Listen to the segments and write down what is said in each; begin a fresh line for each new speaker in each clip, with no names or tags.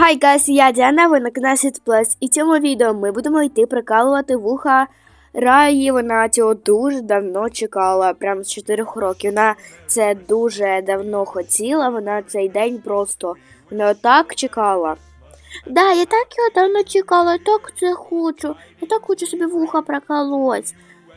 Hi guys, я Діана, ви на каналі Plus. І в цьому відео ми будемо йти прикалувати вуха Раї. Вона цього дуже давно чекала, прям з 4 років. Вона це дуже давно хотіла, вона цей день просто не отак чекала. Да, я так його давно чекала, я так це хочу. Я так хочу собі вуха проколоть.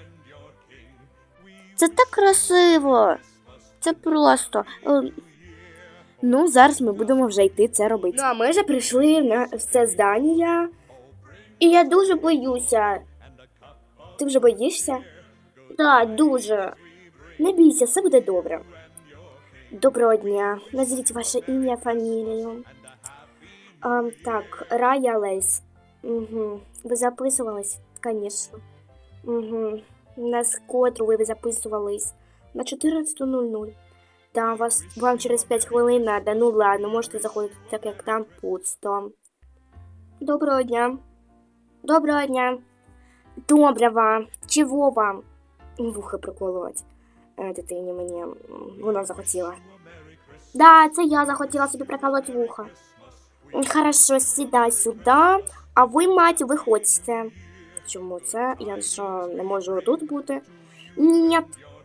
Це так красиво. Це просто... Ну, зараз ми будемо вже йти це робити. Ну, а ми вже прийшли на це здання. І я дуже боюся. Ти вже боїшся? Так, дуже. Не бійся, все буде добре. Доброго дня. Назвіть ваше ім'я, фамілію. Так, Рая Лейс. Угу. Ви записувались? Звісно. Угу. На котру ви записувались? На 14:00. Да, вам через 5 хвилин надо. Ну ладно, можете заходити, так як там пусто. Доброго дня. Доброго дня. Доброго. Чого вам? Вухо приколоть. Дитині мені. Вона захотіла. Да, це я захотіла собі приколоть вухо. Хорошо, сідай сюди. А ви, мать, виходьте. Чому це? Я що, не можу тут бути? Ні.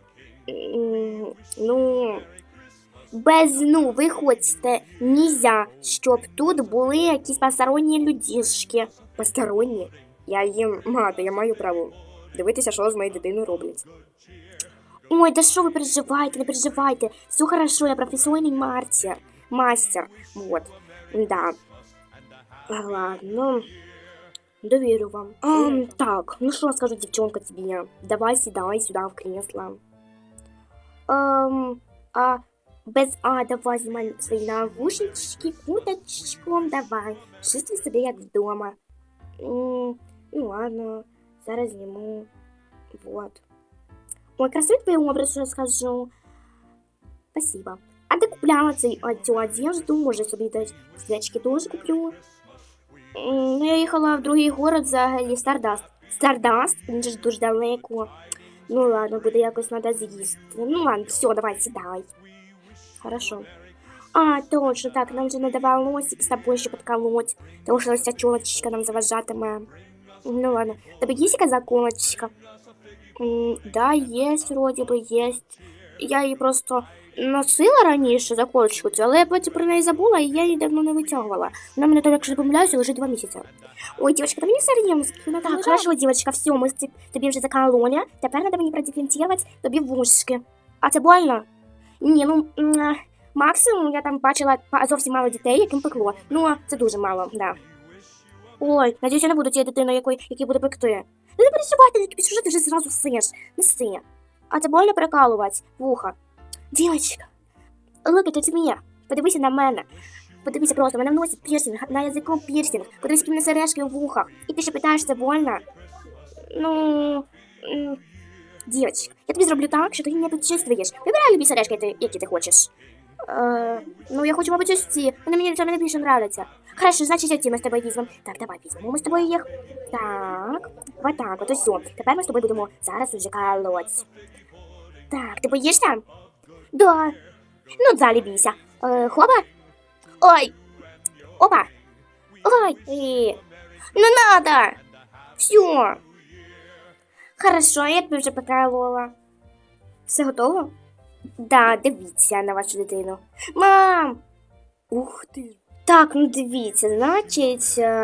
Ну, виходьте, нельзя, щоб тут були якісь посторонні людішки. Посторонні? Я їм мати, я маю право дивитися, що з моєю дитиною роблять. Ой, да що ви переживаєте, не переживайте. Все хорошо, я професійний мастер. Вот, да. Ладно, довірю вам. Так, ну що скажу, девчонка, тебе? Давай сідай сюди в кресло. Давай знімай свої навушнички, куточком, давай. Чувствуй себе як вдома. Ну ладно, зараз зніму. Вот. Ой, красивий твій образ, що я скажу. Спасибо. А ти купляла цю одежду, може собі десь свічки теж куплю. Ну, я їхала в другий город взагалі, Стардаст. Стардаст? Він же дуже далеко. Ну ладно, буде якось надо з'їсти. Ну ладно, все, давай, сідай. Хорошо. Точно, так, нам же надо волосики с тобой еще подколоть. Потому что вся челочка нам заважатиме. Ну ладно. Тебе есть какая заколочка? Да, есть, вроде бы есть. Я її просто носила раніше заколочку, але я потім про неї забула, і я її давно не витягувала. Вона мене, якщо не помиляюся, лежить 2 місяці. Ой, девочка, ти мені серйозно? Так, хорошо, девочка, все, ми тобі вже закололи. Тепер треба мені продиференцировать тобі вушки. А це больно? Ні, ну, максимум я там бачила зовсім мало дітей, яким пекло. Ну, це дуже мало, да. Ой, надіюсь, я не буду тією дитиною, якій буде пекти. Ну, не переживайте, що ти вже зразу сиш. Не си. А це больно прикалувати вуха. Дівчинка, look at me. Подивися на мене. Подивися просто, мене в носі пірсинг, на язику пірсинг. Подивись, які в мене сережки в вухах. І ти ще питаєш, це больно? Ну, дівчинка, я тобі зроблю так, що ти не почувствуєш. Вибирай любі сережки, які ти хочеш. Ну, я хочу, мабуть, ось ці. Вони мені більше нравляться. Хорошо, значить, оці ми з тобою візьмемо. Так, давай візьмемо ми з тобою їх. Так, вот так, от ось все. Тепер ми з тобою будемо зараз уже колоть. Так, ти боїшся? Да. Ну, далі бійся. Хопа. Ой. Опа. Ой. Не надо. Все. Хорошо, я тебе вже поколола. Все готово? Да, дивіться на вашу дитину. Мам! Ух ти. Так, ну дивіться, значить,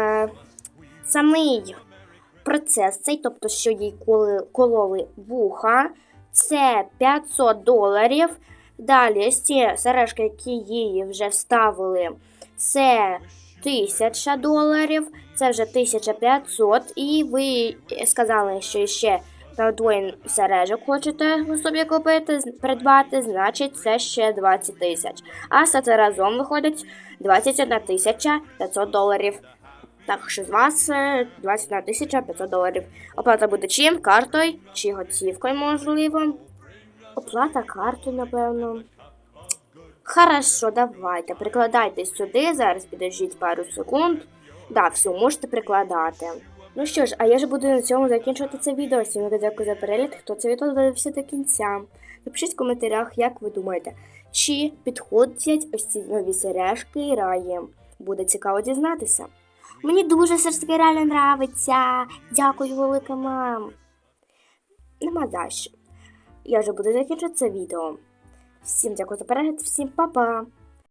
самий процес цей, тобто, що їй кололи вуха, це $500. Далі, ці сережки, які її вже вставили, це $1000, це вже 1500. І ви сказали, що ще двоє сережок хочете собі купити, придбати, значить це ще 20 000. А все це разом виходить $21 500. Так що з вас $21 500. Оплата буде чим? Картою чи готівкою, можливо? Оплата картою, напевно. Хорошо, давайте. Прикладайте сюди, зараз підождіть пару секунд. Да, все, можете прикладати. Ну що ж, а я ж буду на цьому закінчувати це відео. Всім дякую за перегляд, хто це відео дивився до кінця. Напишіть в коментарях, як ви думаєте, чи підходять ось ці нові сережки Раї. Буде цікаво дізнатися. Мені дуже все ж таки реально нравиться. Дякую, велика мам. Нема за що. Я вже буду закінчувати це відео. Всім дякую за перегляд, всім па-па!